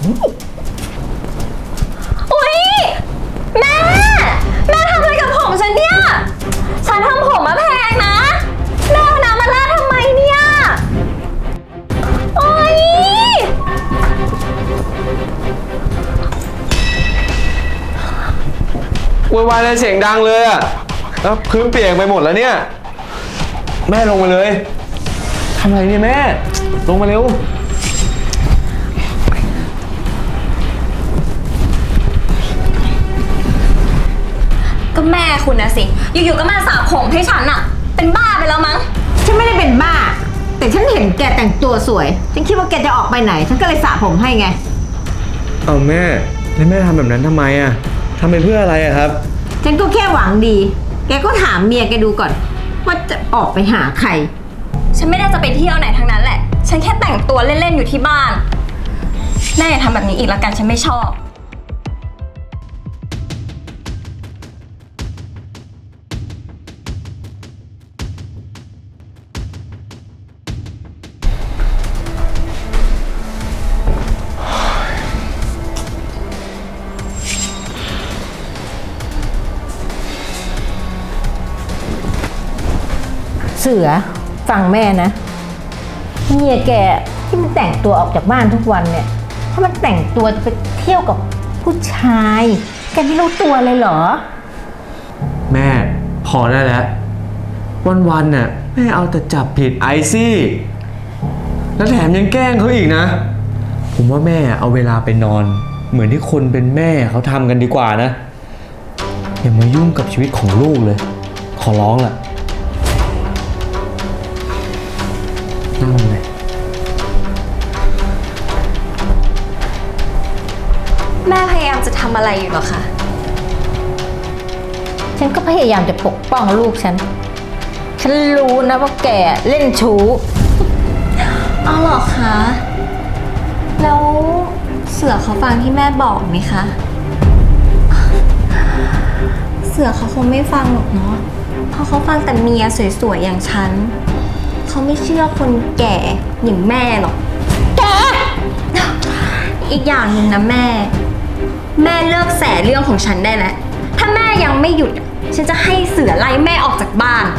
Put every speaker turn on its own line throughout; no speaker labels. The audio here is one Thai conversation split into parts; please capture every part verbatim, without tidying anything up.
อุ๊ยแม่แม่ทำอะไรกับผมฉันเนี่ยฉันทำผมมาแพงนะแม่เอาน้ำมาราดทำไมเนี่ยโอ๊ย
วุ่นวายเลยเสียงดังเลยอ่ะแล้วพื้นเปียกไปหมดแล้วเนี่ยแม่ลงมาเลยทำอะไรเนี่ยแม่ลงมาเร็ว
ก็แม่คุณนะสิอยู่ๆก็มาสระผมให้ฉันอะเป็นบ้าไปแล้วมั้ง
ฉันไม่ได้เป็นบ้าแต่ฉันเห็นแกแต่งตัวสวยฉันคิดว่าแกจะออกไปไหนฉันก็เลยสระผมให้ไง
เอาแม่แล้วแม่ทำแบบนั้นทำไมอ่ะทำไปเพื่ออะไรอ่ะครับ
ฉันก็แค่หวังดีแกก็ถามเมียแกดูก่อนว่าจะออกไปหาใคร
ฉันไม่ได้จะไปเที่ยวไหนทั้งนั้นแหละฉันแค่แต่งตัวเล่นๆอยู่ที่บ้านแม่อย่าทำแบบนี้อีกละกันฉันไม่ชอบ
เสือฟังแม่นะเมียแกที่มันแต่งตัวออกจากบ้านทุกวันเนี่ยถ้ามันแต่งตัวจะไปเที่ยวกับผู้ชายแกไม่รู้ตัวเลยเหรอ
แม่พอได้แล้ววันๆน่ะแม่เอาแต่จับผิดไอซี่แล้วแถมยังแกล้งเขาอีกนะผมว่าแม่เอาเวลาไปนอนเหมือนที่คนเป็นแม่เขาทำกันดีกว่านะอย่ามายุ่งกับชีวิตของลูกเลยขอร้องล่ะนั่งเลย
แม่พยายามจะทำอะไรอยู่หรอคะ
ฉันก็พยายามจะปกป้องลูกฉันฉันรู้นะว่าแกเล่นชู้
อ๋อเหรอคะแล้วเสือเขาฟังที่แม่บอกไหมคะเสือเขาคงไม่ฟังหรอกเนาะเพราะเขาฟังแต่เมียสวยๆอย่างฉันเขาไม่เชื่อคนแก่อย่างแม่หรอกแกอีกอย่างหนึ่งนะแม่แม่เลิกแสเรื่องของฉันได้แล้วถ้าแม่ยังไม่หยุดฉันจะให้เสือไล่แม่ออกจากบ้าน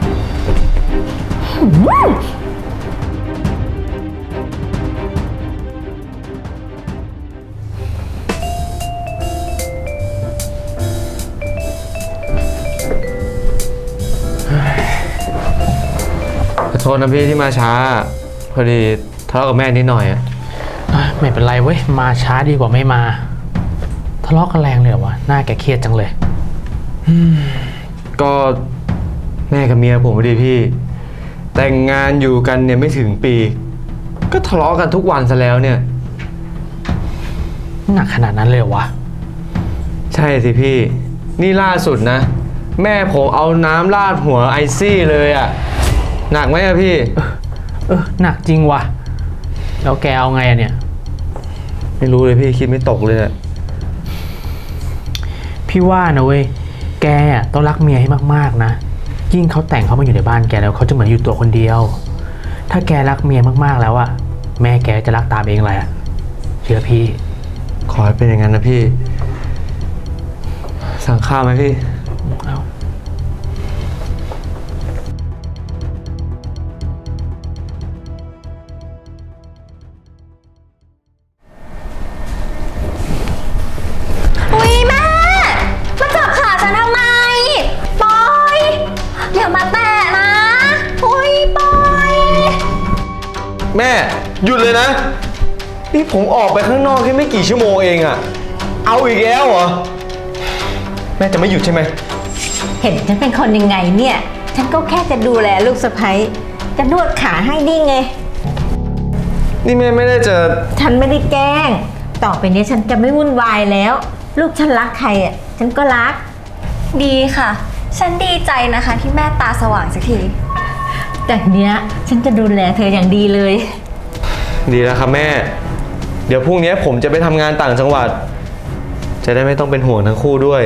ขอโทษนะพี่ที่มาช้าพอดีทะเลาะกับแม่นิดหน่อยอ่ะ
ไม่เป็นไรเว้ยมาช้าดีกว่าไม่มาทะเลาะกันแรงเลยเหรอวะหน้าแกเครียดจังเลย
ก็แม่กับเมียผมพอดีพี่แต่งงานอยู่กันเนี่ยไม่ถึงปีก็ทะเลาะกันทุกวันซะแล้วเนี่ย
หนักขนาดนั้นเลยเหรอวะ
ใช่สิพี่นี่ล่าสุดนะแม่ผมเอาน้ำราดหัวไอซี่เลยอ่ะหนักไหมอะพี่
เออหนักจริงวะแล้วแกเอาไงอะเนี่ย
ไม่รู้เลยพี่คิดไม่ตกเลยอะ
พี่ว่านะเว้ยแกต้องรักเมียให้มากๆนะยิ่งเขาแต่งเขามาอยู่ในบ้านแกแล้วเขาจะเหมือนอยู่ตัวคนเดียวถ้าแกรักเมียมากๆแล้วอะแม่แกจะรักตามเองแหละเชื่อพี่
ขอให้เป็นอย่างนั้นนะพี่สั่งข้าวไหมพี่
เอา
อุ๊ยแม่มาจับขาฉันทำไมปล่อยอย่ามาแตะนะอุ๊ยปล่อย
แม่หยุดเลยนะนี่ผมออกไปข้างนอกแค่ไม่กี่ชั่วโมงเองอะเอาอีกแล้วเหรอแม่จะไม่หยุดใช่ไหม
เห็นฉันเป็นคนยังไงเนี่ยฉันก็แค่จะดูแลลูกสะใภ้จะนวดขาให้ดีไง
นี่แม่ไม่ได้จะ
ฉันไม่ได้แกล้งต่อไปนี้ฉันจะไม่วุ่นวายแล้วลูกฉันรักใครอ่ะฉันก็รัก
ดีค่ะฉันดีใจนะคะที่แม่ตาสว่างสักที
จากเนี้ยฉันจะดูแลเธออย่างดีเลย
ดีแล้วครับแม่เดี๋ยวพรุ่งนี้ผมจะไปทำงานต่างจังหวัดจะได้ไม่ต้องเป็นห่วงทั้งคู่ด้วย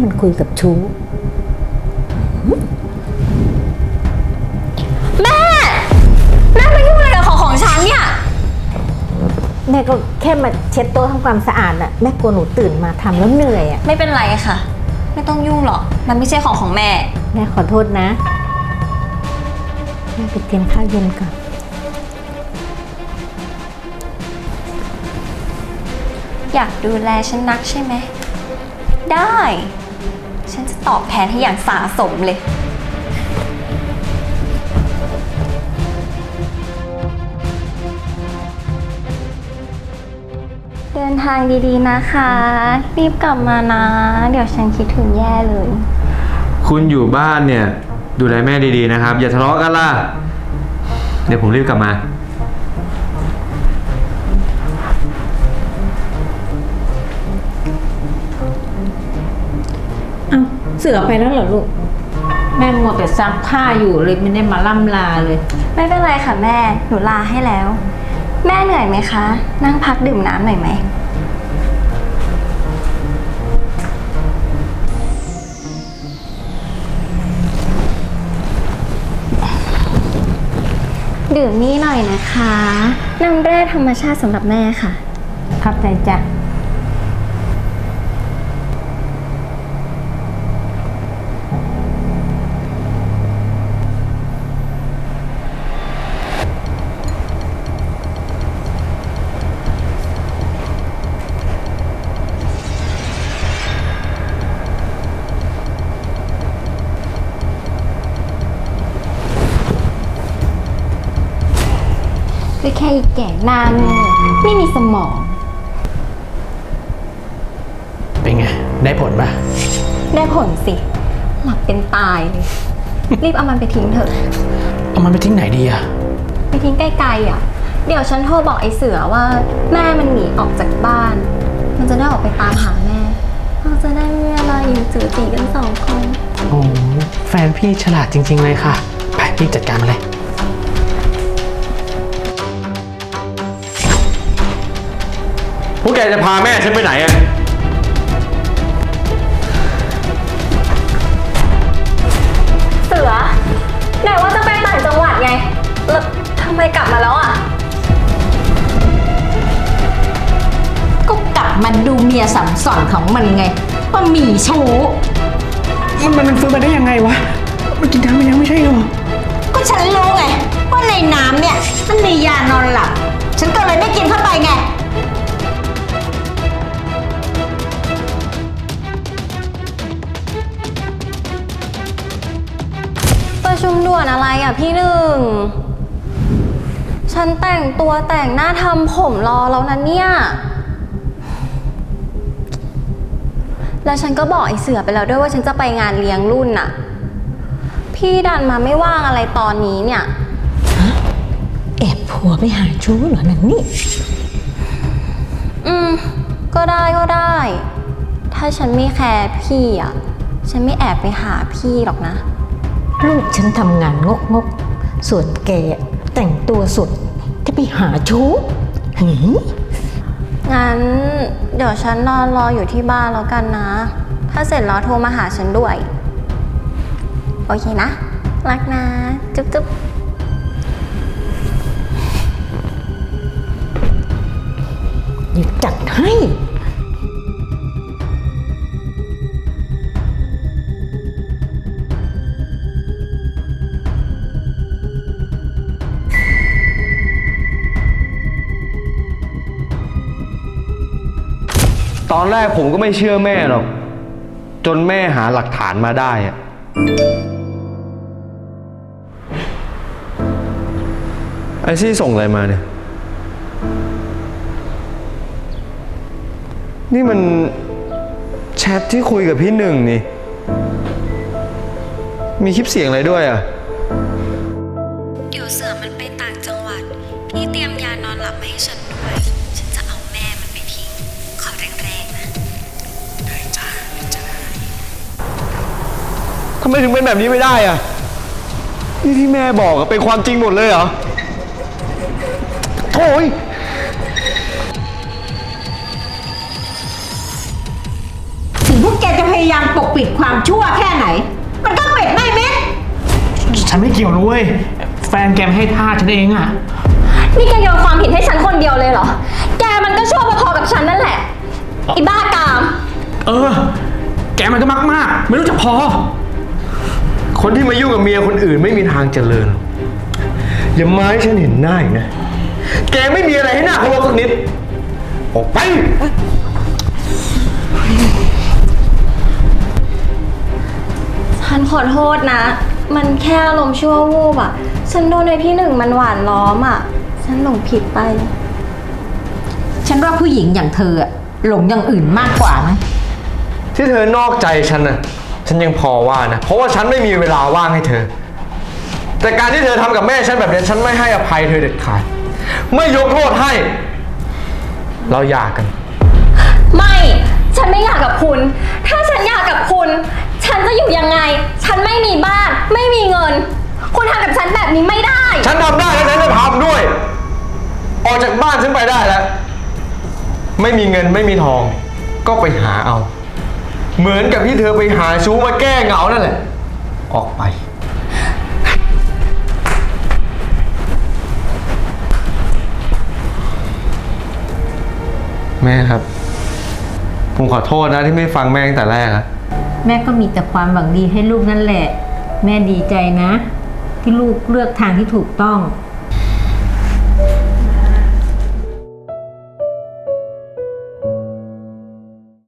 มันคุยกับชู้
แม่ แม่ไปยุ่งอะไรกับของของฉันเนี่ย
แม่ก็แค่มาเช็ดโต๊ะทำความสะอาดน่ะแม่กลัวหนูตื่นมาทำแล้วเหนื่อยอ่ะ
ไม่เป็นไรค่ะ ไม่ต้องยุ่งหรอก มันไม่ใช่ของของแม่
แม่ขอโทษนะแม่ไปเตรียมข้าวเย็นก่อน
อยากดูแลฉันนักใช่ไหม ได้ ฉันจะตอบแทนให้อย่างสาสมเลย เดินทางดีๆนะคะ รีบกลับมานะ เดี๋ยวฉันคิดถึงแย่เลย
คุณอยู่บ้านเนี่ย ดูแลแม่ดีๆนะครับ อย่าทะเลาะกันล่ะ เดี๋ยวผมรีบกลับมา
เอาเสือไปแล้วเหรอลูก แม่มัวแต่ซักผ้าอยู่เลยไม่ได้มาล่ำลาเลย
ไม่เป็นไรค่ะแม่ หนูลาให้แล้ว แม่เหนื่อยไหมคะ นั่งพักดื่มน้ำหน่อยไหม ดื่มนี่หน่อยนะคะ น้ำแร่ธรรมชาติสำหรับแม่ค่ะ
ขอบใจจ้ะ
ก็แค่อีกแก่หน้าโง่ไม่มีสมอง
เป็นไง ได้ผลปะ
ได้ผลสิ หลับเป็นตายเลย รีบเอามันไปทิ้งเถอะ
เอามันไปทิ้งไหนดีอะ
ไปทิ้งไกลๆอ่ะ เดี๋ยวฉันโทรบอกไอ้เสือว่าแม่มันหนีออกจากบ้าน มันจะได้ออกไปตามหาแม่ เราจะได้ไม่มีเวลาอยู่จือจีกันสองคน
โอ้แฟนพี่ฉลาดจริง ๆ เลยค่ะ ไปพี่จัดการมาเลย
พวกแกจะพาแม่ฉันไปไหนอะ
เสือไหนว่าจะไปต่างจังหวัดไง แล้วทำไมกลับมาแล้วอ่ะ
ก็กลับมาดูเมียสัมสอนของมันไงว่ามีชู้
มันมันมันฟื้นมาได้ยังไงวะ มันกินน้ำไปแล้วไม่ใช่หรอ
ก็ฉันรู้ไงว่าในน้ำเนี่ยมันมียานอนหลับ ฉันก็เลยไม่กินเข้าไปไง
ประชุมด่วนอะไรอ่ะพี่หนึ่ง ฉันแต่งตัวแต่งหน้าทำผมรอแล้วนะเนี่ย แล้วฉันก็บอกไอ้เสือไปแล้วด้วยว่าฉันจะไปงานเลี้ยงรุ่นน่ะ พี่ดันมาไม่ว่างอะไรตอนนี้เนี่ย
แอบผัวไปหาชู้เหรอนันนี่
อืม ก็ได้ก็ได้ ถ้าฉันไม่แคร์พี่อ่ะ ฉันไม่แอบไปหาพี่หรอกนะ
ลูกฉันทำงานงกงกๆส่วนแกแต่งตัวสุดจะไปหาชู้หืม
งั้นเดี๋ยวฉันนอนรออยู่ที่บ้านแล้วกันนะ ถ้าเสร็จแล้วโทรมาหาฉันด้วย โอเคนะ รักนะ จุ๊บจุ๊บ
เดี๋ยวจัดให้
ตอนแรกผมก็ไม่เชื่อแม่หรอก จนแม่หาหลักฐานมาได้อะไอซี่ส่งอะไรมาเนี่ย นี่มันแชทที่คุยกับพี่หนึ่งนี่ มีคลิปเสียงอะไรด้วยอ่ะ
เดี๋ยวเสือมันไปต่างจังหวัด พี่เตรียมยานอนหลับมาให้ฉันด้วย ฉันจะเอาแม่มันไปทิ้ง ขอแรงๆนะ
ทำไมถึงเป็นแบบนี้ไม่ได้อ่ะ นี่ที่แม่บอกอะเป็นความจริงหมดเลยเหรอโถ่ย
ถึงพวกแกจะพพยายามปกปิดความชั่วแค่ไหน มันก็เป็ดไม่เม็ด
ฉันไม่เกี่ยวนะเว้ย แฟนแกไม่ให้ท่าฉันเองอะ
นี่แกโยนความผิดให้ฉันคนเดียวเลยเหรอ แกมันก็ชั่วพอๆกับฉันนั่นแหละไอ้บ้ากาม
เออ แกมันก็มากมากๆไม่รู้จักพอ
คนที่มายุ่งกับเมียคนอื่นไม่มีทางเจริญ อย่ามาให้ฉันเห็นหน้าอีกนะ แกไม่มีอะไรให้หน้าเคารพสักนิด ออกไป
ฉันขอโทษนะ มันแค่อารมณ์ชั่ววูบอะฉันโดนในพี่หนึ่งมันหวานล้อมอะฉันหลงผิดไป
ฉันว่าผู้หญิงอย่างเธออะหลงอย่างอื่นมากกว่านะ
ที่เธอนอกใจฉันน่ะ ฉันยังพอว่านะ เพราะว่าฉันไม่มีเวลาว่างให้เธอ แต่การที่เธอทำกับแม่ฉันแบบนี้ฉันไม่ให้อภัยเธอเด็ดขาด ไม่ยกโทษให้ เราหย่ากัน
ไม่ ฉันไม่อยากกับคุณ ถ้าฉันอยากกับคุณ ฉันจะอยู่ยังไง ฉันไม่มีบ้าน ไม่มีเงิน คุณทำกับฉันแบบนี้ไม่ได้
ฉันทำได้แล้วฉันจะทำด้วย ออกจากบ้านฉันไปได้แล้ว ไม่มีเงินไม่มีทอง ก็ไปหาเอา เหมือนกับที่เธอไปหาชู้มาแก้เหงานั่นแหละ ออกไป แม่ครับ ผมขอโทษนะที่ไม่ฟังแม่ตั้งแต่แรกอะ
แม่ก็มีแต่ความหวังดีให้ลูกนั่นแหละ แม่ดีใจนะ ที่ลูกเลือกทางที่ถูกต้อง